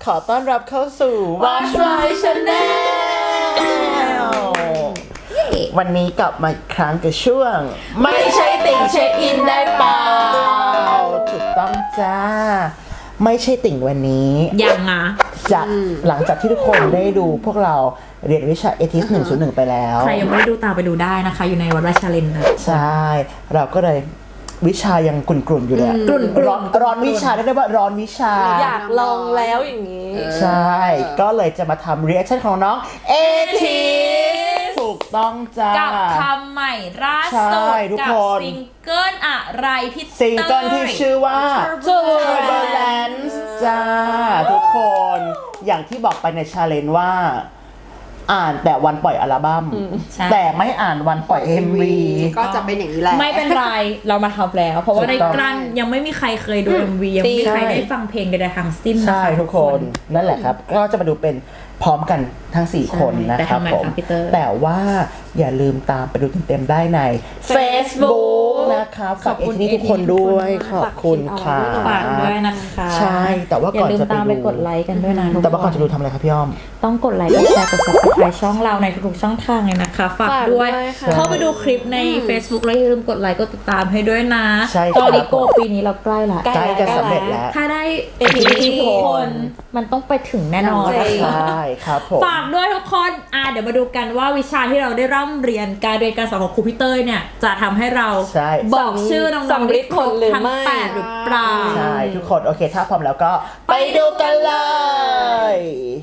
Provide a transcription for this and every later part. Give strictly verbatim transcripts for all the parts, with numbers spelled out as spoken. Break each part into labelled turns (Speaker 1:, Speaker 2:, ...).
Speaker 1: ขอต้อนรับเข้าสู่ Watch My Channel วันนี้กลับมาอีกครั้งกับช่วงไม่ใช่ติ่งเช็คอินได้เปล่าถูกต้องจ้าไม่ใช่ติ่งวันนี้
Speaker 2: ยังอ่ะ
Speaker 1: จะหลังจากที่ทุกคนได้ดูพวกเราเรียนวิชาเอทิสหนึ่งศูนย์หนึ่งไปแล้ว
Speaker 2: ใครยังไม่ได้ดูตามไปดูได้นะคะอยู่ในวัดราชาเลนนะ
Speaker 1: ใช่เราก็เลยวิชายังกลุ่นๆอยู่เลย
Speaker 2: กลุ่น
Speaker 1: ร้อนร้อนวิชาได้ได้ว่าร้อนวิชา
Speaker 3: อยากลองแล้วอย่างนี้
Speaker 1: ใช่ก็เลยจะมาทำเรีแอคชั่นของน้องเอทิสถูกต้องจ้า
Speaker 2: กับคำใหม่ล่าสุดกับซิงเกิลอะไรพี่
Speaker 1: ซิงเกิลที่ชื่อว่า Turbulence จ้าทุกคนอย่างที่บอกไปในชาเลนจ์ว่าอ่านแต่วันปล่อยอัลบั้มแต่ไม่อ่านวันปล่อย เอ็ม วี
Speaker 3: ก็จะเป็นอย่างนี้แหละ
Speaker 2: ไม่เป็นไรเรามาทำแล้วเพราะว่าในกลั้นยังไม่มีใครเคยดู เอ็ม วี ยังไม่มีใครได้ฟังเพลงใดๆทั้งสิ้นนะคะ
Speaker 1: ใช่ทุกคนนั่นแหละครับก็จะมาดูเป็นพร้อมกันทั้งสี่คนนะครับผมแต่ว่าอย่าลืมตามไปดูเต็มๆได้ใน Facebook นะคะฝากเอทีทุกคนด้วยขอบคุณค่ะ
Speaker 2: ฝากด้วยนะคะ
Speaker 1: ใช่แต่ว่าก่อนจะไปดู
Speaker 2: ตามไปกดไลค์กันด้วยนะ
Speaker 1: แต่ว่าก่อนจะดูทำอะไรครับพี่อ้อม
Speaker 2: ต้องกดไลค์กดแชร์กด Subscribe ช่องเราในทุกๆช่องทางเลยนะคะฝากด้วยเข้าไปดูคลิปใน Facebook แล้วอย่าลืมกดไลค์กดติดตามให้ด้วยนะตอนนี้โกปีนี้เราใกล้ละ
Speaker 1: ใกล้จะสำเร็จแล้ว
Speaker 2: ถ้าได้เอทีทุกคนมันต้องไปถึงแน่นอน
Speaker 1: ใช่ครับผม
Speaker 2: ฝากด้วยทุกคนอ่ะเดี๋ยวมาดูกันว่าวิชาที่เราได้ร่ำเรียนการเรียนการสอนของครูพี่เต้ยเนี่ยจะทำให้เราบอกชื่อน้องๆได้ครบทั้งแปดหรือเปล่า
Speaker 1: ใช่ทุกคนโอเคถ้าพร้อมแล้วก็ไปดูกันเลย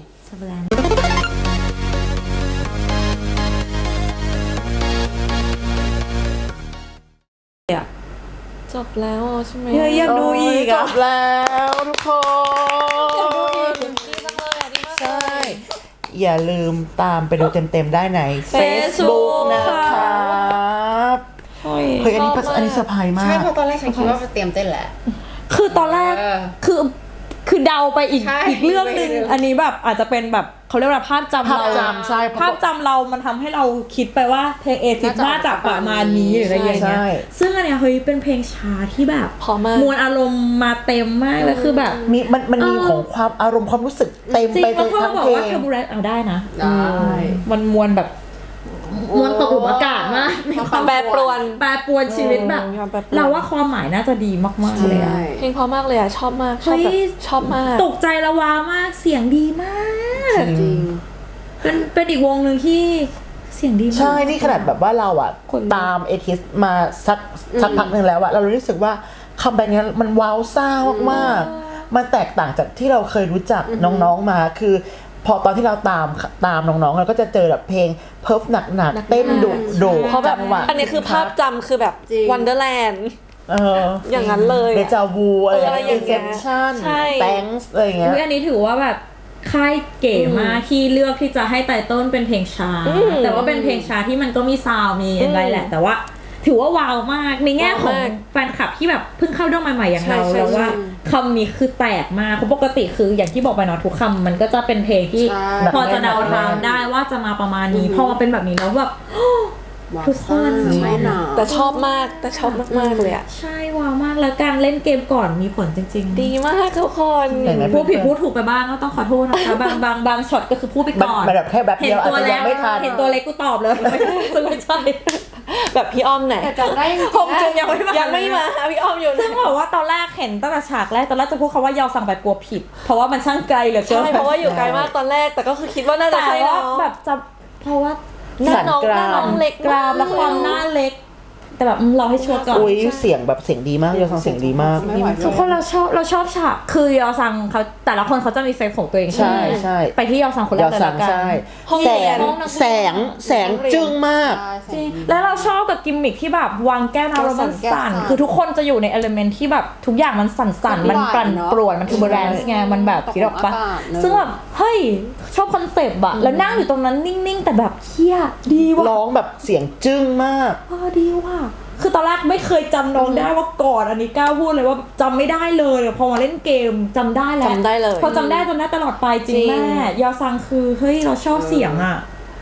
Speaker 3: จบแล้วใช่ไหม
Speaker 2: อยากดูอีก
Speaker 1: จบแล้วทุกคนใช่อย่าลืมตามไปดูเต็มๆได้ใน Facebook นะครับเฮ้ยอันนี้อันนี้เซอร์ไพรส์มาก
Speaker 3: ใช่เพราะตอนแรกฉันคิดว่าจะเตรียมเต้นแหละ
Speaker 2: คือตอนแรกคือคือเดาไปอีกอีกเรื่องนึงอันนี้แบบอาจจะเป็นแบบเขาเรียกว่าภาพจำเรา
Speaker 1: ใช่
Speaker 2: ภาพจำเรามันทำให้เราคิดไปว่าเพลงเอทิสน่าจะประมาณนี้หรืออะไรอย่างเงี้ยซึ่งอันเนี้ยเฮ้ยเป็นเพลงช้าที่แบบมวลอารมณ์มาเต็มมากเลยคือแบบ
Speaker 1: มีมันมันมีของความอารมณ์ความรู้สึกเต็มไปทั้งเพลงจริง
Speaker 2: เพราะเขาบอกว่าเทอร์บูเรนซ์เอาได้นะมันมวลแบบมวลตกหลุมอากาศมากมีความ
Speaker 3: แปรปรวน
Speaker 2: แปรปรวนชีวิตแบบเราว่าความหมายน่าจะดีมากๆเลยอะ
Speaker 3: เพลงเพราะมากเลยอะชอบมากชอบแบบชอบมาก
Speaker 2: ตกใจละวามากเสียงดีมากจริงเป็นเป็นอีกวงหนึ่งที่เสียงดีมาก
Speaker 1: ใช่นี่ขนาดแบบว่าเราอะตามเอทิสมาสักสักพักนึงแล้วอะเรารู้สึกว่าคำแบบนี้มันว้าวซ่ามากๆมันแตกต่างจากที่เราเคยรู้จักน้องๆมาคือพอตอนที่เราตามตามน้องๆเราก็จะเจอแบบเพลงเพิร์ฟหนักๆเต้นดุโด
Speaker 3: เพราะแบบอันนี้คือภาพจำคือแบบวันเดอร์แลนด์อย่างนั้นเลย
Speaker 1: เดจาวูอะไรอย่างเงี้ยอินเซปชั่นแตงส์อะไรอย่างเงี้ย
Speaker 2: อันนี้ถือว่าแบบค่ายเก๋มากที่เลือกที่จะให้ไตเติ้ลเป็นเพลงช้าแต่ว่าเป็นเพลงช้าที่มันก็มีซาวด์มีอะไรแหละแต่ว่าถือว่าว้าวมากในแง่ของแฟนคลับที่แบบเพิ่งเข้าด้อมใหม่ๆอย่างเราแล้วว่าคำนี้คือแตกมากเพราะปกติคืออย่างที่บอกไปเนาะทุกคำมันก็จะเป็นเพลงที่พอจะเดาทางได้ว่าจะมาประมาณนี้พอมาเป็นแบบนี้แล้วแบบทุกคน
Speaker 3: แต่ชอบมากแต่ชอบมากๆเลยอ่ะ
Speaker 2: ใช่ว้าวมากแล้วการเล่นเกมก่อนมีผลจริง
Speaker 3: ๆดีมากทุกคน
Speaker 2: พูดผิดพูดถูกไปบ้างก็ต้องขอโทษนะคะบางบางบางช็อตก็คือพูดไปก่อน
Speaker 1: แบบแค่แบบเดียวอาจจะยังไม่ทัน
Speaker 2: เห็นตัวเล็กกูตอบเลยซึ่งไม่ใช่
Speaker 3: แบบพี่อ้อมไหน
Speaker 2: จำได้
Speaker 3: คงจะยังไม่มายังไม่มาพี่อ้อมอยู่
Speaker 2: ซึ่งบอกว่าตอนแรกเห็นตั้งแต่ฉากแรกตอนแรกจะพูดคำว่ายอสั่งแบบกลัวผิดเพราะว่ามันช่างไกลเหลือเกิน
Speaker 3: ใช่เพราะว่าอยู่ไกลมากตอนแรกแต่ก็คือคิดว่าน่าจะใช่เนาะ
Speaker 2: แบบจะเพราะว่า
Speaker 3: หน้าน้องหน้าน้องเล็ก
Speaker 2: กรามและความหน้าเล็กแต่แบบเราให้ชัวร์ก่อน
Speaker 1: อุ้ยเสียงแบบเสียงดีมากยอซังเสียงดีมาก
Speaker 2: ทุกคนเราชอบเราชอบฉากคือยอซังเขาแต่ละคนเขาจะมีเซฟของตัวเอง
Speaker 1: ใช่ใช่
Speaker 2: ไปที่ยอซังคนแรกเลยละกัน
Speaker 1: แสงแสงแสงจึ้งมาก
Speaker 2: จริงแล้วเราชอบกับกิมมิคที่แบบวางแก้วน้ำแล้วมันสั่นคือทุกคนจะอยู่ในเอลิเมนต์ที่แบบทุกอย่างมันสั่นๆมันปั่นป่วนมันทูเบอร์แรนซ์ไงมันแบบคิดออกปะซึ่งแบบเฮ้ยชอบคอนเซปต์อะแล้วนั่งอยู่ตรงนั้นนิ่งๆแต่แบบเฮี้ยดีว่ะ
Speaker 1: ร้องแบบเสียงจึ้งมาก
Speaker 2: อ๋อดีว่ะคือตอนแรกไม่เคยจำน้องได้ว่าก่อนอันนี้ก้าวพูดเลยว่าจำไม่ได้เลยพอมาเล่นเกมจำได้แล้ว
Speaker 3: จำได้เลย
Speaker 2: พอจำได้จำได้ตลอดไปจริงแม่ยอซังคือเฮ้ยเราชอบเสียงอ่ะ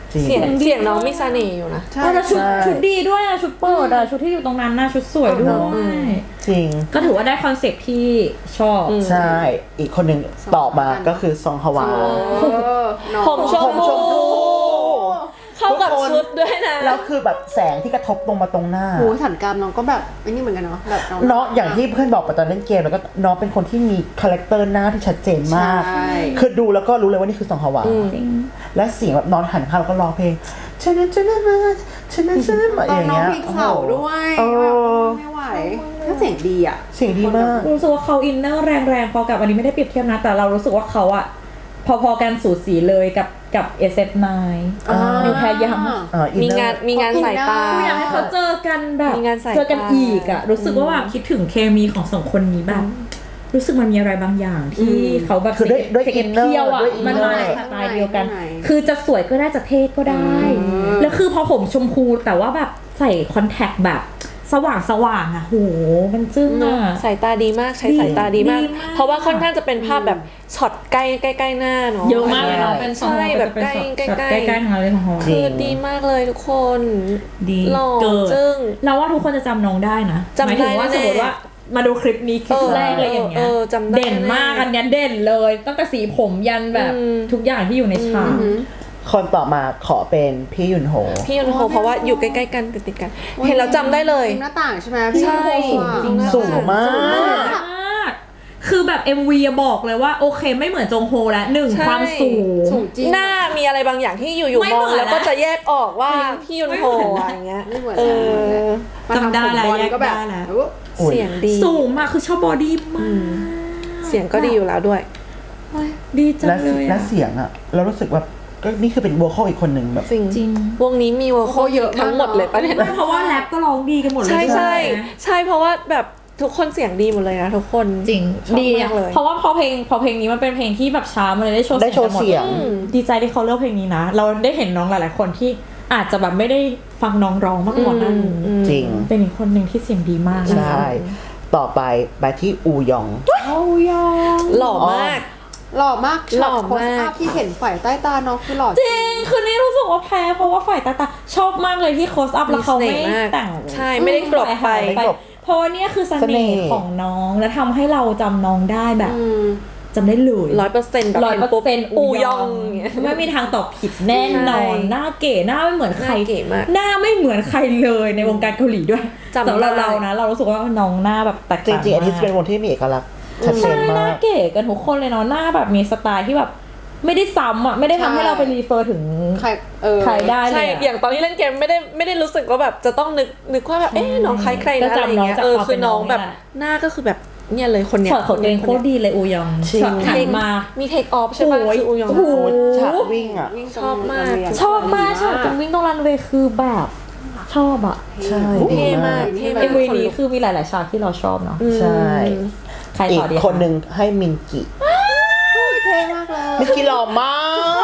Speaker 1: จริง
Speaker 3: เสียงเสียงน้องมีเสน่ห์อยู่นะ
Speaker 4: ใช่
Speaker 2: เออแล้วชุด
Speaker 1: ใช่
Speaker 2: ชุดดีด้วยอะชุดเปิดอะชุดที่อยู่ตรงนั้นน่ะชุดสวยด้วย
Speaker 1: จริง
Speaker 2: ก็ถือว่าได้คอนเซ็ปต์ที่ชอบ
Speaker 3: อืม
Speaker 1: ใช่ อีกคนหนึ่งต่อมาก็คือซองฮวา
Speaker 4: เออน้อง
Speaker 3: ผมชม
Speaker 1: ผมชมพู
Speaker 3: เข้ากับชุดด้วยนะ
Speaker 1: แล้วคือแบบแสงที่กระทบลงมาตรงหน้า
Speaker 4: โหสันกรามน้องก็แบบไอ้นี่เหมือนกันเนาะแบบน้อง
Speaker 1: เนาะอย่างที่เพื่อนบอกไปตอนเล่นเกมแล้วก็น้องเป็นคนที่มีคาแรคเตอร์หน้าที่ชัดเจนมาก
Speaker 4: ใช่
Speaker 1: คือดูแล้วก็รู้เลยว่านี่คือซองฮวา
Speaker 2: จริง
Speaker 1: และเสียงแบบนอนหันข้างแล้วก็ร้องเพลงชนะชนะมาชนะชนะมา
Speaker 4: ต
Speaker 1: อ
Speaker 4: อน
Speaker 1: ย่าง
Speaker 4: น้อง
Speaker 1: เงี้ย
Speaker 4: พลิกเสาด้วย
Speaker 1: เอ
Speaker 4: แบบ
Speaker 1: อ
Speaker 4: ไม่ไหวถ้าเสียงดีอ่ะ
Speaker 1: เสียงดีมาก
Speaker 2: รู้สึกว่าเขาอินเนอร์แรงๆพอกับอันนี้ไม่ได้เปรียบเทียบนะ แต่เรารู้สึกว่าเขาอะพอๆกันสูสีเลยกับกับ เอส เอฟ ไนน์
Speaker 1: อ่า
Speaker 2: นิวแพรยัง
Speaker 1: เอ่อ
Speaker 3: มี
Speaker 1: inner
Speaker 3: งานมีงานสายตา
Speaker 2: กูอยากให้เขาเจอกันแบบ
Speaker 3: มีงานสายตา
Speaker 2: เจอกันอีกอะรู้สึกว่าแบบคิดถึงเคมีของสองคนนี้แบบ รู้สึกมันมีอะไรบางอย่างที่เขาแบบ
Speaker 1: คือด้วยด้วย
Speaker 2: เก็บ
Speaker 1: inner
Speaker 2: เที่ยวอะ
Speaker 1: ด้วย
Speaker 2: มัน
Speaker 1: inner
Speaker 2: มาในสไตล์เดียวกัน
Speaker 4: ข้างใน
Speaker 2: คือจะสวยก็ได้จะเท่ก็ได้ แล้วคือพอผมชมพูแต่ว่าแบบใส่คอนแทคแบบสว่างสว่างอะโหมันจึ้งอะ
Speaker 3: สายตาดีมากใช้
Speaker 2: ดี
Speaker 3: สายตาดีมาก
Speaker 2: ดีมาก
Speaker 3: เพราะว่าค่อนข้างจะเป็นภาพแบบช็อตใกล้ใกล้ใกล้หน้าเนาะ
Speaker 2: เยอะมากเลยเนาะ
Speaker 1: ใช่
Speaker 2: เป็นสอง
Speaker 3: ใช่แบบใกล้
Speaker 2: เป็นช็อต
Speaker 3: ใกล้
Speaker 2: ใกล้ๆทั้งนั้นเลยของเขา
Speaker 1: จริ
Speaker 3: คือง ดีมากเลยทุกคน
Speaker 2: ดี
Speaker 3: หล่อ
Speaker 2: เกิน
Speaker 3: จึ้ง
Speaker 2: เราว่าทุกคนจะจำน้องได้นะ
Speaker 3: จำได้
Speaker 2: หมายถึงว่า
Speaker 3: แน่
Speaker 2: สมมติว่ามาดูคลิปนี้คลิป
Speaker 3: เออ
Speaker 2: แรกเลยอย่างเงี้
Speaker 3: เอย อจำได้
Speaker 2: เด่นมาก
Speaker 3: แน่
Speaker 2: อันเนี้ยเด่นเลยตั้งแต่สีผมยันแบบ
Speaker 3: อืม
Speaker 2: ทุกอย่างที่อยู่ในฉาก
Speaker 1: คนต่อมาขอเป็นพี่ยุนโฮ
Speaker 3: พี่ยุนโฮเพราะว่าอยู่ใกล้ๆกันติดๆกัน เห็นแล้วจำได้เลย
Speaker 4: หน้าต่างใช่ไหมพี่
Speaker 3: ใช่
Speaker 4: โคอะ
Speaker 2: จริง
Speaker 1: สูงมาก
Speaker 2: มาก คือแบบ เอ็ม วี อะบอกเลยว่าโอเคไม่เหมือนจงโฮแล้วหนึ่ง
Speaker 3: ใช่
Speaker 2: ความสูง
Speaker 4: สูงจริง
Speaker 3: หน้ามีอะไรบางอย่างที่อยู่
Speaker 2: ไม่
Speaker 3: ๆมอง
Speaker 2: เหมือน
Speaker 3: แล้วก็
Speaker 2: นะ
Speaker 3: จะแยกออกว่า
Speaker 2: จริง
Speaker 3: พี่ยุนโฮ
Speaker 2: ไม่เหมือนนะ
Speaker 3: อะไรเงี้ย
Speaker 4: ไม่เหมือน
Speaker 3: เอ
Speaker 4: กัน
Speaker 3: อ
Speaker 4: มาทำ
Speaker 2: จำได้แล้ว
Speaker 4: ผมบอล
Speaker 2: แยก
Speaker 4: ก็แบบ
Speaker 2: ได้แล้ว
Speaker 4: โอ้
Speaker 1: อุ๊ย
Speaker 3: เสียงดี
Speaker 2: สูงมากคือชอบบอดี้มาก
Speaker 3: เสียงก็ดีอยู่แล้วด้วย
Speaker 2: ดีจัง
Speaker 1: และ
Speaker 2: เลย
Speaker 1: และ
Speaker 2: อะ
Speaker 1: เสียงอ่ะ เรารู้สึกแบบก็นี่คือเป็นวัวข้ออีกคนหนึ่งแบบ
Speaker 3: จริง
Speaker 2: จริง
Speaker 3: วงนี้มีวง
Speaker 4: เขาเยอะมาก
Speaker 3: ทั้งหมดเลยปะเนี่ย
Speaker 2: ไม่เพราะว่าแรปก็ร้องดีกันหมดเลย
Speaker 3: ใช่ใช่
Speaker 2: ไหม
Speaker 3: ใช่เพราะว่าแบบทุกคนเสียงดีหมดเลยนะทุกคน
Speaker 2: จริง
Speaker 3: ชอบ
Speaker 2: ดี
Speaker 3: มา
Speaker 2: อะ
Speaker 3: กเลย
Speaker 2: เพราะว่าพอเพลงพอเพลงนี้มันเป็นเพลงที่แบบช้ามันเลยได้โชว์
Speaker 1: ได้โชว์
Speaker 2: กันหม
Speaker 1: เสียง
Speaker 3: อืม
Speaker 2: ดีใจที่เขาเลือกเพลงนี้นะ เราได้เห็นน้องหลาย ๆ คนที่อาจจะแบบไม่ได้ฟังน้องร้องมาก่อนหนั้น
Speaker 3: อืม
Speaker 1: จริง
Speaker 2: เป็นอีกคนหนึ่งที่เสียงดีมาก
Speaker 1: ใช่ ต่อไปไปที่อูยอง
Speaker 2: เอายอง
Speaker 3: หล่อมาก
Speaker 4: หล่อมาก
Speaker 3: หล่อ
Speaker 4: ช็ตโคส
Speaker 3: มาก
Speaker 4: อัพที่เห็นฝ่ายใต้ตาน้องคือหล่อ
Speaker 2: จริงคือนี่รู้สึกว่าแพ้เพราะว่าฝ่ายตาตาชอบมากเลยที่โคสอัพแล้วเขาไม่
Speaker 3: มีเสน่ห์มาก
Speaker 2: แต่ง
Speaker 3: ใช่ไม่ได้กลบไป
Speaker 2: หายไปเพราะว่าเนี่ยคือเส
Speaker 1: เสน่
Speaker 2: น่
Speaker 1: ห์
Speaker 2: ห์ของน้องและทำให้เราจำน้องได้แบบ
Speaker 4: อืม
Speaker 2: จำได้เลย
Speaker 3: ร้อยเปอร์เซ็นต์แบบ
Speaker 2: ร้อยเปอร์เซ็นต์
Speaker 3: อู
Speaker 2: อู
Speaker 3: ย
Speaker 2: ย
Speaker 3: อ
Speaker 2: อง ง
Speaker 3: อย่างเงี้ย
Speaker 2: ไม่มีทางตอบผิดแน่นอน
Speaker 3: ใช่
Speaker 2: หน้าเก๋หน้าไม่เหมือนใคร
Speaker 3: หน้าเก๋มาก
Speaker 2: หน้าไม่เหมือนใครเลยในวงการเกาหลีด้วย
Speaker 3: จำได้
Speaker 2: สำหรับเรานะ เรารู้สึกว่าน้องหน้าแบบแตก
Speaker 1: จ
Speaker 2: ต่าง
Speaker 1: ริงๆอันนี้
Speaker 2: มาก
Speaker 1: เป็นวงที่มีเอกลักษณ์ชัดเจ
Speaker 2: ใช่
Speaker 1: น
Speaker 2: ห
Speaker 1: มา
Speaker 2: น้าก เก๋กันทุกคนเลยเนาะหน้าแบบมีสไตล์ที่แบบไม่ได้ซ้ำอ่ะไม่ได้ทำให้เราไปรีเฟอร์ถึง
Speaker 4: ใครเออ
Speaker 2: ใครได้เล
Speaker 3: ใช่
Speaker 2: ย
Speaker 3: อ
Speaker 2: อะ
Speaker 3: ย่างตอนที่เล่นเกมไม่ได้ไม่ได้รู้สึกว่าแบบจะต้องนึกนึกว่าแบบเอ๊ะน้องคล้ายใคร
Speaker 2: ก็
Speaker 3: นะอะไร
Speaker 2: จำน้อง
Speaker 3: เงี้ย
Speaker 2: จาก
Speaker 3: เออ
Speaker 2: ความ
Speaker 3: คือน้อง
Speaker 2: เป็นน้อง
Speaker 3: แบบ
Speaker 2: นี่แหละ
Speaker 3: หน้าก็คือแบบเนี่ยเลยคนเนี้ย
Speaker 2: ช็อตของตัวเองโคตรดีเลยอูยอง
Speaker 1: จริง
Speaker 2: ช็อตหันมา
Speaker 3: มีเทคออฟใช่ป่ะ
Speaker 2: โอ้ย
Speaker 3: คืออูยอง
Speaker 2: โอ้โห
Speaker 1: โอ้ฉากวิ่งอ่ะ
Speaker 4: วิ่งตรง
Speaker 3: ชอบมาก
Speaker 4: โรงเรียน
Speaker 2: ชอบมากช็อตตรงวิ่งตรงรันเวย์คือแบบชอบอ่ะ
Speaker 1: ใช่
Speaker 3: เท่มาก
Speaker 4: เท่
Speaker 3: เท่
Speaker 4: มาก
Speaker 2: เอ็มวีนี้คือมีหลาย ๆ ฉากที่เราชอบเนาะ
Speaker 1: ใช่
Speaker 2: ใคร
Speaker 1: อี
Speaker 2: ต่
Speaker 1: ก
Speaker 2: อดีะ
Speaker 1: คนหนึ่งให้มินกิ
Speaker 4: เท่มากเลย
Speaker 1: มินกิหล่อมาก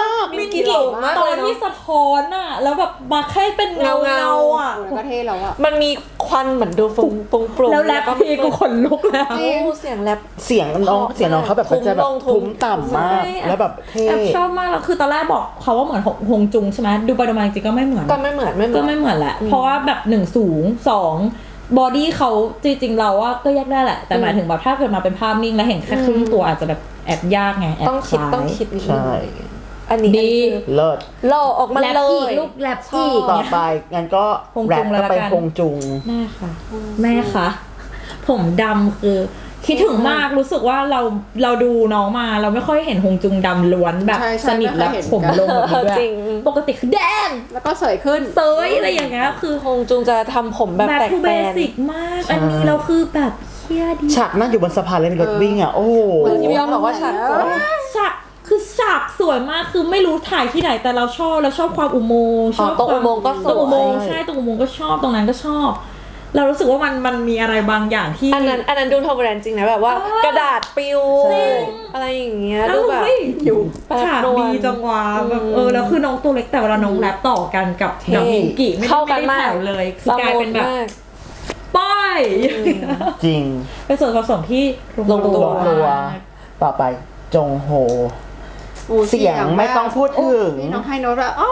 Speaker 3: มีกี่สูงมาก
Speaker 2: ตอ
Speaker 3: เล
Speaker 2: น
Speaker 3: ย
Speaker 2: ที่
Speaker 3: เนาะ
Speaker 2: สะท้อนอ่ะ แล้วแบบมาแค่เป็นเงา
Speaker 3: เงา
Speaker 2: เงา
Speaker 3: ๆ
Speaker 2: อ่ะ
Speaker 4: โอ้ยก็เท่แล้วอะ
Speaker 3: มันมีควันเหมือนดูฟุ้งฟุ้งโปร่ง
Speaker 2: แล้วแรปพีกูขนลุกแล้ว
Speaker 3: โอ้เสียงแรป
Speaker 1: เสียงน้องเสียงน้องเขาแบบมันจะแบบ
Speaker 3: ทุ้มลงทุ้
Speaker 1: ทุ้
Speaker 3: ม
Speaker 1: มต่ำมาก
Speaker 2: ใช่
Speaker 1: แล้วแบบเท่
Speaker 2: แอบชอบมากแล้วคือตอนแรกบอกเขาว่าเหมือนฮงจุงใช่ไหมดูไปดูมาจริงๆก็ไม่เหมือน
Speaker 3: ก็ไม่เหมือนไม่เหมื
Speaker 2: ก็
Speaker 3: อน
Speaker 2: ไม่เหมือนแหละ เพราะว่าแบบหนึ่งสูงสองบอดี้เขาจริงๆเราว่าก็แยกได้แหละ แต่หมายถึงแบบถ้าเกิดมาเป็นภาพนิ่งแล้วเห็นแค่ครึ่งตัวอาจจะแบบแอบยากไงแอบ
Speaker 3: ต้องคิด
Speaker 2: ล้าย
Speaker 3: ต้องคิดนิดนึง
Speaker 1: ใช่
Speaker 3: อันนี้
Speaker 2: ดี
Speaker 1: เลิศ
Speaker 3: หล่อออกมา
Speaker 2: แรป
Speaker 3: เล
Speaker 2: อีก
Speaker 3: ย
Speaker 2: ลูกแรปอีก
Speaker 1: ต่อ
Speaker 2: เนี่ย
Speaker 1: ไปงั้นก็
Speaker 2: ฮง
Speaker 1: แร
Speaker 2: จุ
Speaker 1: ป
Speaker 2: งเลย
Speaker 1: ก็
Speaker 2: ละ
Speaker 1: ไป
Speaker 2: กัน
Speaker 1: ฮงจุง
Speaker 2: แม่ค่ะ แม่ค่ะผมดำคือคิดถึงมากรู้สึกว่าเราเราดูน้องมาเราไม่ค่อยเห็นฮงจุงดำล้วนแบบ
Speaker 4: ใช่ใช่
Speaker 2: สนิทแล้ว
Speaker 4: ไม่ค่อยเห็น
Speaker 2: ผมลงแบบนี้ด้วย
Speaker 3: จริง
Speaker 2: ปกติคือแดง
Speaker 4: แล้วก็สวยขึ้น
Speaker 2: เซยอะไรอย่างเงี้ยคือ
Speaker 3: คงจุงจะทำผมแบบ
Speaker 2: แบบ
Speaker 3: แตก
Speaker 2: คือ
Speaker 3: แต
Speaker 2: เบ
Speaker 3: น
Speaker 2: สิกมาก
Speaker 1: ใช่
Speaker 2: อันนี้เราคือแบบเชี่ยดี
Speaker 1: ฉากนั่งอยู่บนสะพานเลยในรถวิ่งอ่ะ โอ้โห
Speaker 3: เหมือนที่พี่ยอมบอกว่าฉากสวย
Speaker 2: ฉากคือฉากสวยมากคือไม่รู้ถ่ายที่ไหนแต่เราชอบเราชอบความอุโมงค์ชอบ
Speaker 3: ตรง
Speaker 2: ควา
Speaker 3: อุโมงค์ก็ส
Speaker 2: ตรงอุโม
Speaker 3: วย
Speaker 2: งค์ใช่ตรงอุโมงค์ก็ชอบตรงนั้นก็ชอบ เรารู้สึกว่ามันมันมีอะไรบางอย่างที่
Speaker 3: อันนั้นอันนั้นดูทอมแบรนด์จริงนะแบบว่า
Speaker 2: เออก
Speaker 3: ระดาษปิว
Speaker 1: ใช่
Speaker 3: อะไรอย่างเงี้ย
Speaker 2: เอ้า
Speaker 3: ดูแบบ
Speaker 2: เฮ้ย
Speaker 3: อยู่แปบ
Speaker 2: ฉาก
Speaker 3: นวล
Speaker 2: ดีจังวะแบบ
Speaker 3: อืม
Speaker 2: เออแล้วคือน้องตัวเล็กแต่เวลาน้องแรปต่อกันกับ
Speaker 3: เท่
Speaker 2: กับมินกิไม่ได้
Speaker 3: เข้ากัน
Speaker 2: ไม่ได้
Speaker 3: มาก
Speaker 2: แผ่วเลยคือกลายเป็นแบบ
Speaker 3: มาก
Speaker 2: ป้าย
Speaker 1: จริง
Speaker 2: เป็นส่วนผสมที่
Speaker 3: ลงตัว
Speaker 1: ลงตัว ต่อไปจงโฮ
Speaker 4: โอ้
Speaker 1: เสียงไม่ต้องพูดถึง
Speaker 4: โอ้นี่น้องให้โน้ตแบบอ๋อ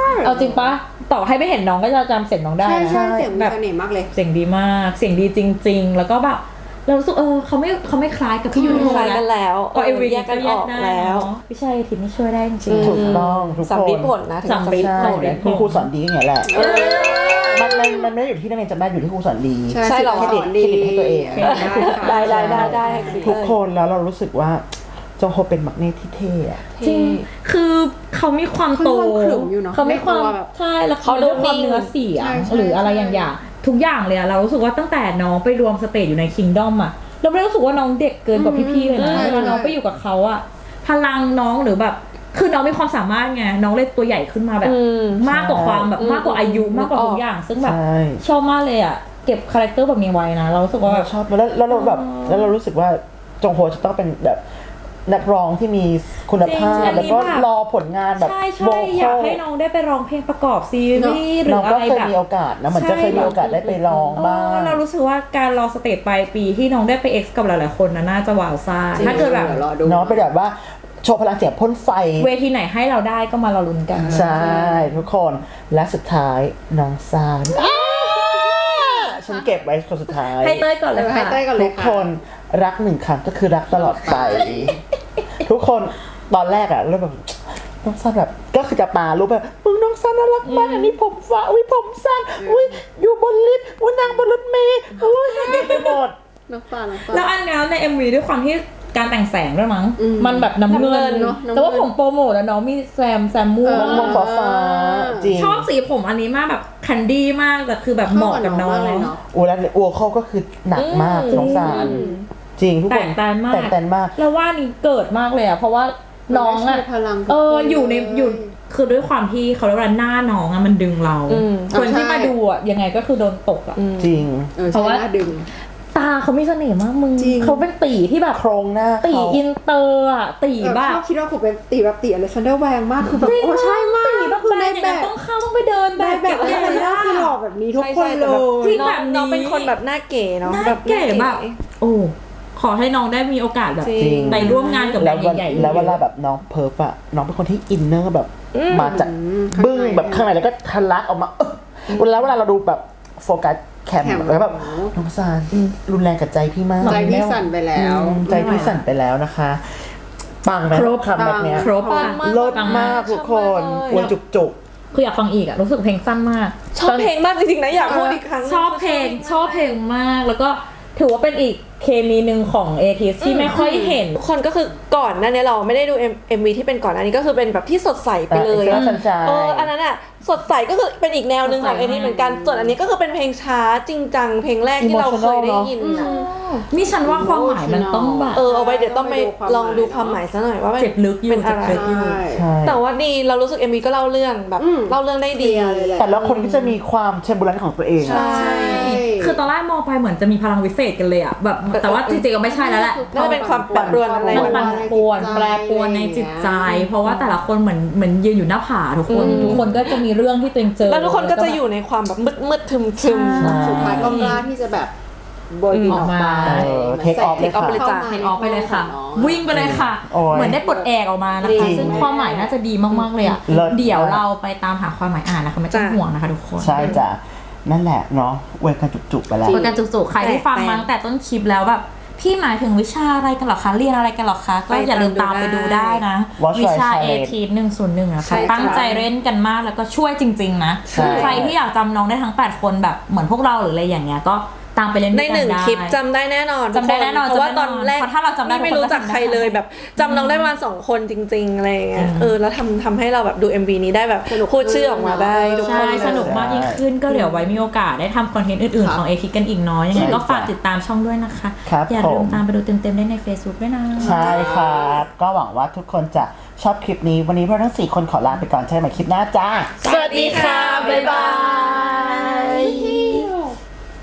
Speaker 2: เอาจริงปะต่อให้ไม่เห็นน้องก็จะจำเสียงน้องได้
Speaker 4: ใช่
Speaker 2: นะ
Speaker 4: ใช่เสียงมี
Speaker 2: แบบ
Speaker 4: เสน่ห์มากเลย
Speaker 2: เสียงดีมากเสียงดีจริง ๆ แล้วก็แบบเรารู้สึกเออเขาไม่เขาไม่คล้ายกับพี่ยูโร
Speaker 3: คล้ายกันแล้ว
Speaker 2: พอเอวี
Speaker 3: แยกกันออกแล้ว
Speaker 2: พี่ชัยทิพย์นี่ช่วยได้จริงๆ
Speaker 1: ถูกต้องทุก
Speaker 3: สำ
Speaker 1: ค
Speaker 3: ลิ
Speaker 1: น
Speaker 3: ดผลนะถึง
Speaker 2: สำลิด
Speaker 1: ใช่คุณครูสอนดีอย่างเงี้ยแหละมันมันมันไม่ได้อยู่ที่นักเรียนจำได้อยู่ที่ครูสอนดี
Speaker 4: ใช่
Speaker 3: ใช่เหรอ
Speaker 1: เครดิตเครดิตให้ตัวเอง
Speaker 3: ได้ได้ได้ได้
Speaker 1: ทุกคนแล้วเรารู้สึกว่าจงโฮเป็นมักเนตที่เท่อะ
Speaker 2: จริงคือเขามีความโต
Speaker 4: เขามีความขรึมอยู่เนอะ
Speaker 2: เขามีความ
Speaker 4: ในตัวแบบ
Speaker 2: ใช่แล้วเขาดูความเนื้อเสียง
Speaker 4: ใช่ใช่
Speaker 2: หรืออะไรอย่างอย่างทุกอย่างเลยอะเรารู้สึกว่าตั้งแต่น้องไปรวมสเตจอยู่ในคิงดอมอะเราไม่ได้รู้สึกว่าน้องเด็กเกินกว่าพี่ๆเลยนะ
Speaker 4: ใช่
Speaker 2: เวลาน้องไปอยู่กับเขาอะพลังน้องหรือแบบคือน้องมีความสามารถไงน้องเลยตัวใหญ่ขึ้นมาแบบ
Speaker 3: อืม
Speaker 2: มากกว่าความแบบ
Speaker 3: อืม
Speaker 2: มากกว่าอายุ
Speaker 3: อืม
Speaker 2: มากกว่าทุ
Speaker 3: นึ
Speaker 2: ก
Speaker 3: กออก
Speaker 2: อย่าง ซึ่งแบบ
Speaker 1: ใช่
Speaker 2: ชอบมากเลยอะเก็บคาแรคเตอร์แบบนี้ไว้นะ เรารู้สึกว่าแบบ
Speaker 1: ชอบแล้วแล้วเราแบบแล้วเรารู้สึกว่าจงโฮจะต้องเป็นแบบนักร้องที่มีคุณภา
Speaker 2: จริ
Speaker 1: พ
Speaker 2: งๆ
Speaker 1: แล้วก็
Speaker 2: อันนี้แบบ
Speaker 1: รอผลงานแบบ
Speaker 2: ใช่
Speaker 1: โว
Speaker 2: ใช่
Speaker 1: ค
Speaker 2: อยา
Speaker 1: อก ล
Speaker 2: ให้น้องได้ไปร้องเพลงประกอบซีรีส์หรื
Speaker 1: น้
Speaker 2: อ
Speaker 1: อง
Speaker 2: อะ
Speaker 1: ก็
Speaker 2: ไร
Speaker 1: เคย
Speaker 2: แบบ
Speaker 1: มีโอกาสนะเหมือนจะเคยมีโอกาสได้ไปร้องบ้าง
Speaker 2: เรารู้สึกว่าการรอสเตจปลายปีที่น้องได้ไปเอ็กซ์กับหลายๆคนนะน่าจะว้าวซ่าถ้าเกิดแบบ
Speaker 4: รอดู
Speaker 1: เนาะเป็นแบบว่าโชว์พลังเสียงพ่นไฟ
Speaker 2: เวทีไหนให้เราได้ก็มารอลุ้นกัน
Speaker 1: ใช่ทุกคนและสุดท้ายน้องซานฉันเก็บไว้คนสุดท้าย
Speaker 2: ให้เต้ยก่อนเลย
Speaker 4: ให้
Speaker 2: ค่ะ
Speaker 4: เต้ยก่อนเล
Speaker 1: ทุ
Speaker 4: ย
Speaker 1: ก
Speaker 4: ค่ะ
Speaker 1: คนรักหนึ่งครั้งก็คือรักตลอดไป ทุกคนตอนแรกอะแล้วแบบน้องซันแบบก็คือจะปารูปแบบมึงน้องซันน่ารักมากอันนี้ผมฟ้าอุ้ยผมสั้นอุ้ยอยู่บนลิฟต์อุ้ยนางบนรถเมล์อุ้ยดีไปหมด
Speaker 4: น้องปลาน้องปลา
Speaker 2: แล้วอันนี้ใน เอ็ม วี ด้วยความที่การแต่งแสงด้วยมั้ง
Speaker 4: อืม
Speaker 2: มันแบบน้ำเงิ
Speaker 3: น้ำเงิ
Speaker 2: น
Speaker 3: น
Speaker 4: เนอะน้ำเงิน
Speaker 2: แต่ว่าผมโปรโมทแล้วน้องมีแซมแซมม่วง
Speaker 4: เออ
Speaker 1: มองฟ้าฟ้าจริง
Speaker 2: ชอบสีผมอันนี้มากแบบคันดี้มากแต่คือแบบเหมาะกับน้อง
Speaker 4: เข้ากับน้องมากเลยเนอะ
Speaker 1: อูแล้วอัวเข้าก็คือหนักมากน้องซานจริงทุก
Speaker 2: แต
Speaker 1: คน
Speaker 2: กต่างมาก
Speaker 1: แตกต่างมาก
Speaker 2: แล้วว่านี่เกิดมากเลยอะเพราะว่าน้องอะ
Speaker 4: มันไม่ใช่พลัง
Speaker 2: เออ
Speaker 4: ทุกคน
Speaker 2: อยู่ใน
Speaker 4: เลย
Speaker 2: อยู่คือด้วยความที่เขาเรียกว่าหน้าน้องอะมันดึงเรา
Speaker 3: อืม
Speaker 2: คนที่
Speaker 4: ใช่
Speaker 2: มาดูอะยังไงก็คือโดนตกอะ
Speaker 1: จริง
Speaker 4: เออ
Speaker 2: เพราะ
Speaker 4: ใช่
Speaker 2: ว่า
Speaker 4: หน้าดึง
Speaker 2: ตาเขามีเสน่ห์มากมึง
Speaker 4: จริง
Speaker 2: เขาเป็นตีที่แบบ
Speaker 1: โครงหน้า
Speaker 2: ตี
Speaker 1: เขา
Speaker 2: อินเตอร์อะตี
Speaker 4: เออ
Speaker 2: แบบ
Speaker 4: ชอบคิดว่าผมเป็นตีแบบตีอเล็กซานเดอร์แวงมากคือแบบ
Speaker 2: จริง
Speaker 4: โอ้ใช่มาก
Speaker 2: ตีแบบ
Speaker 4: คือ
Speaker 2: แบ
Speaker 4: ใน
Speaker 2: บ
Speaker 4: แบบ
Speaker 2: ต้องเข้าต้องไปเดินแบ
Speaker 4: ใน
Speaker 2: บ
Speaker 4: แบบ
Speaker 2: เก็
Speaker 4: อ
Speaker 2: บ
Speaker 4: เล็ก
Speaker 2: เงิ
Speaker 4: ซาน
Speaker 2: น
Speaker 4: เดอร์คือหล่อแบบนี้ทุกคน
Speaker 3: ใช่
Speaker 4: เล
Speaker 3: ใช่
Speaker 4: ย
Speaker 2: จริง
Speaker 3: น้
Speaker 2: แบ
Speaker 3: อง
Speaker 2: บนี้
Speaker 3: น้องเป็นคนแบบหน้าเก๋เนาะ
Speaker 2: หน้า
Speaker 3: แบบ
Speaker 2: เก๋แบบโอ้ขอให้น้องได้มีโอกาสแบบ
Speaker 3: จริง
Speaker 2: ไปร่วมงานกับแบ
Speaker 1: แล้
Speaker 2: ร
Speaker 1: วน วัน
Speaker 2: ด์ใหญ่ๆ
Speaker 1: แล้วเวลาแบบน้องเพิร์ฟอะน้องเป็นคนที่อินเนอร์แบบ
Speaker 3: อืม
Speaker 1: มาจาก
Speaker 4: อืม
Speaker 1: บึ้ง
Speaker 4: ข้างใน
Speaker 1: แบบข้างในแล้วก็ทะลักออกมาเออเวลาเวลาเราดูแบบโฟกัสแคม
Speaker 4: แคม
Speaker 1: แล้วแบบ
Speaker 4: โอ้โห
Speaker 1: น้องซานรุนแรงกับใจพี่มาก
Speaker 4: ใจพี่สั่นไปแล้ว
Speaker 1: อืมใจพี่สั่นไปแล้วนะคะปังไหม
Speaker 2: ครบ
Speaker 1: คำแบบเนี้ย
Speaker 2: ครบ
Speaker 3: ปั
Speaker 2: ค่ะ
Speaker 3: งมาก
Speaker 1: เลิศมากทุกคน
Speaker 3: ชอบมากเลย
Speaker 1: อวนจุกจุก
Speaker 2: คืออยากฟังอีกอะรู้สึกเพลงสั้นมาก
Speaker 3: ชอบเพลงมากจริงๆนะอยากพูดอีกครั้ง
Speaker 2: ชอบเพลงชอบเพลงมากแล้วก็ถือว่าเป็นอีกเคมีหนึ่งของเอทีที่ไม่ค่อยเห็น
Speaker 3: ทุกคนก็คือก่อนหน้านี้เราไม่ได้ดู เอ็ม วี ที่เป็นก่อนหน้านี้ก็คือเป็นแบบที่สดใสไปเลย
Speaker 1: เอ็ก
Speaker 3: อะ
Speaker 1: ซ์ตร้าสัญชา
Speaker 3: เอออันนั้นอ่ะสดใสก็คือเป็นอีกแนวหนึ่งของ
Speaker 2: สดใส
Speaker 3: เอทีเหมือนกันส่วนอันนี้ก็คือเป็นเพลงช้าจริงจังเพลงแรกที่เราเคยได้ยินอะ
Speaker 2: นี่ฉันว่าความหมายมันต้องแบบ
Speaker 3: เออเอาไว้เดี๋ยวต้องไปลองดูความหมายซะหน่อยว่ามัน
Speaker 2: เจ็บลึกอยู่
Speaker 3: เป็นอะไร
Speaker 2: เจ็บลึกอยู่
Speaker 1: ใช่
Speaker 3: แต่ว่าดีเรารู้สึก เอ็ม วี ก็เล่าเรื่องแบบ
Speaker 4: อืม
Speaker 3: เล่าเรื่องได้ดี
Speaker 4: เคลียร์เลยแหละ
Speaker 1: แต่ละคนก็จะมีความเชมบูรันของตัวเอง
Speaker 3: ใช่
Speaker 2: คือตอนแรกมองไปเหมือนจะมีพลังวิเศษกันเลยอะแบบแต่ว่าจริงๆก็ไม่ใช่แล้วแหละ
Speaker 3: น่าจะเป็นความแปรปรวนอะไร
Speaker 2: มันปั่นป่วนแปรปรวนในจิตใจ เพราะว่าแต่ละคนเหมือนเหมือนยืนอยู่หน้าผาทุกคนทุกคนก็จะมีเรื่องที่ตัวเองเจอ
Speaker 3: แล้วทุกคนก็จะอยู่ในความแบบมืดมืดๆทึมทึม
Speaker 2: ใช่
Speaker 4: สุดท้ายก็กล้าที่จะแบบโบยบินออกมา
Speaker 1: เออ take off เลยค่ะ
Speaker 3: เลยจ้ะ
Speaker 2: เห็นออกไปเลยค่ะ วิ่งไปเลยค่ะ
Speaker 1: โอ้ย
Speaker 2: เหมือนได้ปลดแอกออกมานะ
Speaker 4: จริ
Speaker 2: คะ
Speaker 4: ง
Speaker 2: ซึ่งความหมายน่าจะดีมากๆเลยอ่ะ
Speaker 1: เลิศ
Speaker 2: เดี๋ยวเราไปตามหาความหมายอ่านนะคะไม่ต้อง
Speaker 3: จ้ะ
Speaker 2: ห่วงนะคะทุกคน
Speaker 1: ใช่จ้ะนั่นแหละเนาะเวรกันจุกๆไปแล้ว
Speaker 2: คุยกันจุกๆใครที่ฟัง
Speaker 3: แปลกๆ
Speaker 2: มาตั้งแต่ต้นคลิปแล้วแบบพี่หมายถึงวิชาอะไรกันเหรอคะเรียนอะไรกันเหรอคะก็อย่าลืมตามไปดูได้นะ
Speaker 1: Watch
Speaker 2: วิชา
Speaker 1: Right
Speaker 2: เอ
Speaker 1: Challenge
Speaker 2: ทีหนึ่งศูนย์หนึ่งนะ
Speaker 3: ใช่
Speaker 2: คะ
Speaker 3: จ้ะ
Speaker 2: ตั้งใจเล่นกันมากแล้วก็ช่วยจริงๆนะ
Speaker 1: ใช่
Speaker 2: ใครที่อยากจำน้องได้ทั้งแปดคนแบบเหมือนพวกเราหรืออะไรอย่างเงี้ยก็ตามไปเล่น
Speaker 3: ใน
Speaker 2: ด้วยกั
Speaker 3: หนึ่ง
Speaker 2: ได้
Speaker 3: คลิปจำได้แน่นอน
Speaker 2: จำได้แน่นอน
Speaker 3: เพราะว่า
Speaker 2: จำได้
Speaker 3: ตอนแรก
Speaker 2: เพราะถ้าเราจำได้
Speaker 3: ไม่รู้จักใครเลยแบบจำน้องได้ประมาณสองคนจริงๆอะไรอย่างเงี้ยเออแล้วทำทำให้เราแบบดู เอ็ม วี นี้ได้แบบ
Speaker 4: สนุก
Speaker 3: พูดชื่อออกมาได้ทุกค
Speaker 2: ใช่
Speaker 3: น
Speaker 2: สนุกมากยิ่งขึ้นก็เดี๋ยวไว้มีโอกาสได้ทำคอนเทนต์อื่น
Speaker 4: ครั
Speaker 2: ๆ
Speaker 4: บ
Speaker 2: ของเอทิกันอีกเนาะยังไง
Speaker 1: ใช่
Speaker 2: ก็ฝาก
Speaker 1: จ้ะ
Speaker 2: ติดตามช่องด้วยนะคะ
Speaker 1: ครับ
Speaker 2: อย่าลื
Speaker 1: ผม ม
Speaker 2: ตามไปดูเต็มๆได้ใน Facebook ด้วยนะ
Speaker 1: ใช่ครับ ก็หวังว่าทุกคนจะชอบคลิปนี้ วันนี้พวกเราทั้งสี่คนขอลาไปก่อนใช่ไหมคลิปหน้าจ้า
Speaker 2: สวัสดีค่ะ บ๊ายบาย
Speaker 4: เย้